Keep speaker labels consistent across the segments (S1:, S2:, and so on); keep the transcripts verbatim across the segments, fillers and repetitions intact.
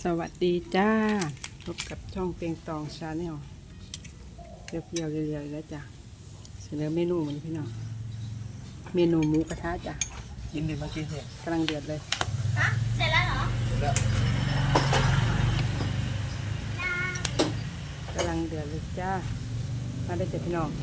S1: สวัสดีจ้าพบกับช่องเปียงตองชาแนลเรียวๆเรียวๆแล้วจ้ะเสนอเมนูมันพี่น้องเมนูหมูกระทะจ้ะ
S2: กินดิมากินเนี่ย
S1: กำลังเดือดเลย
S3: ฮะเสร็จแล้วเหรอ
S2: แล้ว
S1: กำลังเดือดเลยจ้ามาได้เจ็ดพี่น้อง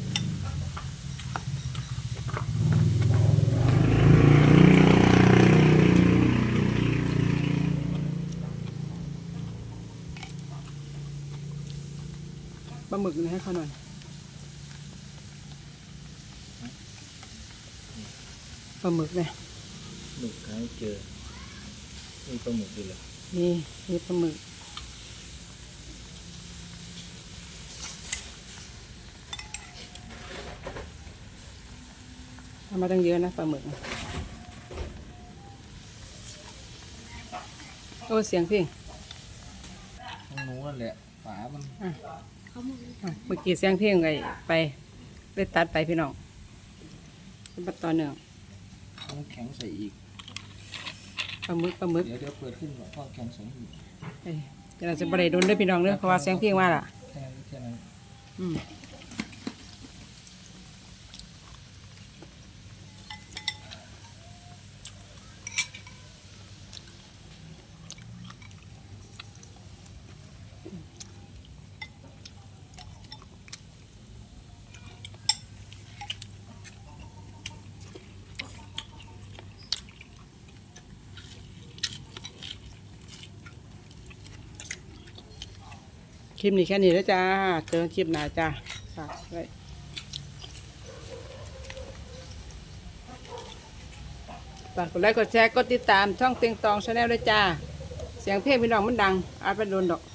S1: ปลาหมึกนี่ให้เขาหน่อยปลาหมึกเนี่ย
S2: หมึกหาเจอมีปลาหมึกด้วยเหรอ
S1: นี่นี่ปลาหมึกทำมาตั้งเยอะนะปลาหมึกนะโอ้เสียงพี่
S2: ต้องนู้นแหละฝามัน
S1: อ่ะอ่ะเมื่อกี้เสียงเพลงไงไปได้ตัดไปพี่น้องเป็นบัดตอนหนึ่ง
S2: ต้องแข็งใส่อีก
S1: ปลาหมึกปลาหมึก
S2: เดี๋ยวเดี๋ยวเปิดขึ้นก่อนต้องแข็งใส่อีก
S1: เอ้ยเดี๋ยวเราจะบริโดนด้วยพี่น้องเด้อเพราะว่าเสียงเพลงมาล่ะ
S2: แค่นั้นแค่นั้น
S1: อืมคลิปนี้แค่นี้แล้วจ้าเจอคลิปหน้าจ้าฝากไว้ฝากกดไลค์กดแชร์กดติดตามช่องเตียงตองชาแนลด้วยจ้าเสียงเพลงพี่น้องมันดังอาจเป็นโดนดอก